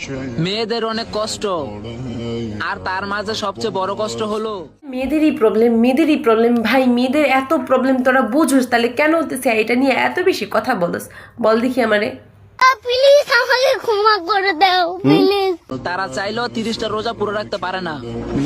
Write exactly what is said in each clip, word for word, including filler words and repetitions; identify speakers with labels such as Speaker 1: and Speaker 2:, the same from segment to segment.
Speaker 1: মেয়েদের অনেক কষ্ট, আর তার মাঝে সবচেয়ে বড় কষ্ট হলো
Speaker 2: মেয়েদেরই প্রবলেম মেয়েদেরই প্রবলেম ভাই, মেয়েদের এত প্রবলেম তোরা বুঝোস তাহলে কেন হতেছে এটা নিয়ে এত বেশি কথা বলস? বল দেখি আমারে।
Speaker 3: প্লিজ আমাকে ক্ষমা করে দাও প্লিজ।
Speaker 1: তারা চাইলেও তিরিশটা রোজা পুরো রাখতে পারে না।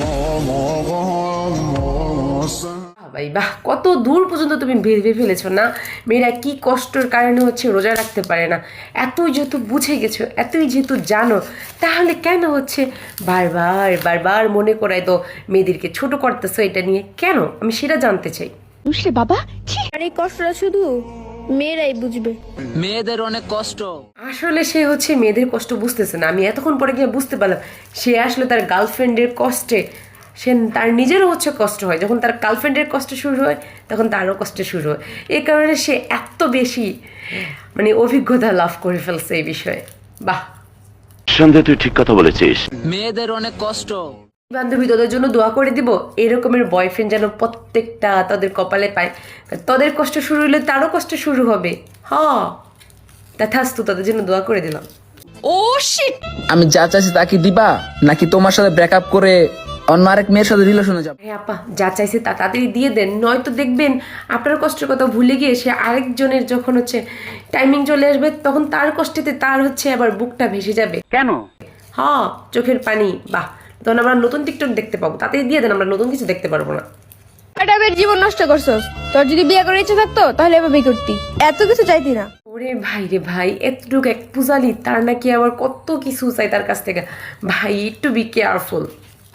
Speaker 2: ভাই বাহ, কত দূর পর্যন্ত তুমি ভেবে ফেলেছো না মেয়েরা কি কষ্টের কারণে হচ্ছে রোজা রাখতে পারে না। এতই যেহেতু বুঝে গেছো, এতই যেহেতু জানো, তাহলে কেন হচ্ছে বারবার বারবার মনে করাই তো মেয়েদেরকে ছোট করতেছো এটা নিয়ে কেন? আমি সেটা জানতে চাই।
Speaker 3: বুঝলে বাবা, আর এই কষ্টটা শুধু মেয়েরাই বুঝবে।
Speaker 1: মেয়েদের অনেক কষ্ট।
Speaker 2: আসলে সে হচ্ছে মেয়েদের কষ্ট বুঝতেছে না। আমি এতক্ষণ পরে গিয়ে বুঝতে পারলাম সে আসলে তার গার্লফ্রেন্ডের কষ্টে সে তার নিজেরও হচ্ছে কষ্ট হয়। যখন তার গার্লফ্রেন্ডের কষ্ট শুরু হয় তখন তারও কষ্ট শুরু হয়। এই কারণে সে এত বেশি মানে অভিজ্ঞতা লাভ করে ফেলছে এই বিষয়ে। বাহ,
Speaker 4: সন্দেহ, তুই ঠিক কথা বলেছিস।
Speaker 1: মেয়েদের অনেক কষ্ট।
Speaker 2: বান্ধবী তোদের জন্য দোয়া করে দিব এরকমের বয়ফ্রেন্ড যেন প্রত্যেকটা তাদের কপালে পায়। তোদের কষ্ট শুরু হলে তারও কষ্ট শুরু হবে। হ্যাঁ, তথাস্তু, তাদের জন্য দোয়া করে দিলাম।
Speaker 1: ও শিট, আমি যা চাইছি তা কি দিবা, নাকি তোমার সাথে ব্রেকআপ করে অন্য আরেক মেয়ের সাথে রিলেশনে যাব?
Speaker 2: হ্যাঁ আপা, যা চাইছে তা তাড়াতাড়ি দিয়ে দেন, নয়তো দেখবেন আপনার কষ্টের কথা ভুলে গিয়ে সে আরেকজনের যখন হচ্ছে টাইমিং চলে আসবে তখন তার কষ্টেতে তার হচ্ছে আবার বুকটা ভেসে যাবে।
Speaker 5: কেন?
Speaker 2: হ্যাঁ, চোখের পানি। বাহ, তখন আমরা নতুন টিকটক দেখতে পাবো। তাড়াতাড়ি দিয়ে দেন, আমরা নতুন কিছু দেখতে পারবো না।
Speaker 3: এটা বের জীবন নষ্ট করছস। তোর যদি বিয়ে করার ইচ্ছে থাকতো তাহলে এভাবে করতি, এত কিছু চাইতি না।
Speaker 2: ওরে ভাই রে ভাই, এতটুকু এক পূজালি তার নাকি আবার কত কিছু চাই তার কাছ থেকে। ভাই একটু বি কেয়ারফুল।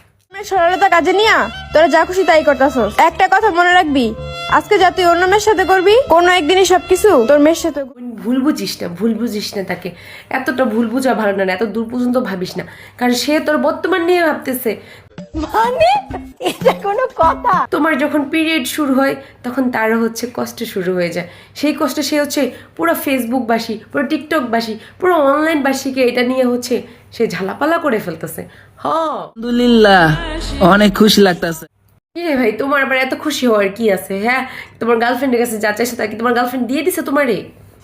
Speaker 3: সরলতা কাজে নিয়া তোরা যা খুশি তাই করতাছস। একটা কথা মনে রাখবি, আজকে যা তুই অন্য মেয়ের সাথে করবি, কোনো একদিনই সবকিছু তোর মেয়ের সাথে।
Speaker 2: ভুল বুঝিস না, ভুল বুঝিস না তাকে। এতটা ভুল বুঝা ভালো না, এত দূর পর্যন্ত ভাবিস না, কারণ সে তোর বর্তমান নিয়ে ভাবতেছে।
Speaker 3: মানে এটা কোনো কথা?
Speaker 2: তোমার যখন পিরিয়ড শুরু হয় তখন তারও হচ্ছে কষ্ট শুরু হয়ে যায়। সেই কষ্টে সে হচ্ছে পুরো ফেসবুকবাসী, পুরো টিকটকবাসী, পুরো অনলাইনবাসীকে এটা নিয়ে হচ্ছে সে ঝালাপালা করে ফেলতেছে। হ,
Speaker 1: আলহামদুলিল্লাহ, অনেক খুশি লাগতেছে।
Speaker 2: রে ভাই, তোমার আবার এত খুশি হওয়ার কি আছে? হ্যাঁ, তোমার গার্লফ্রেন্ডের কাছে যা চাইছে তা কি তোমার গার্লফ্রেন্ড দিয়ে দিছে তোমারে?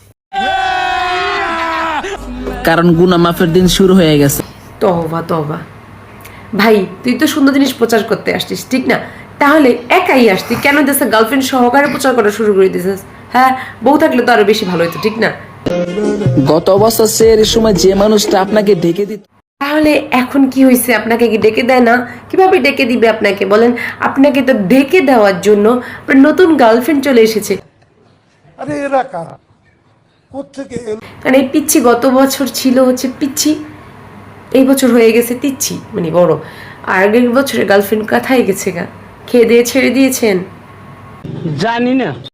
Speaker 1: কারণ গুনাহ মাফের দিন শুরু হয়ে গেছে।
Speaker 2: তওবা তওবা। ভাই, তুই তো সুন্দর জিনিস প্রচার করতে আসছিস, ঠিক না? তাহলে একাই আসতি কেন দেশে গার্লফ্রেন্ড সহকারে প্রচার করা শুরু করে দিয়েছিস? হ্যাঁ, বউ থাকলে তো আরো বেশি ভালো হতো, ঠিক না?
Speaker 1: গত বছর এর সময় যে মানুষটা আপনাকে ঢেকে দিত,
Speaker 2: তাহলে এখন কি হয়েছে? আপনাকে কি ডেকে দেয় না? কিভাবে ডেকে দিবে আপনাকে বলেন? আপনাকে তো ডেকে দেওয়ার জন্য আপনার নতুন গার্লফ্রেন্ড চলে এসেছে।
Speaker 6: আরে এরা কারা, কোত্থেকে এলো?
Speaker 2: কারণ এই পিচ্ছি গত বছর ছিল হচ্ছে পিচ্ছি, এই বছর হয়ে গেছে তিচ্ছি, মানে বড়। আর আগের বছরের গার্লফ্রেন্ড কোথায় গেছে গা? খেয়ে দিয়ে ছেড়ে দিয়েছেন?
Speaker 5: জানি না।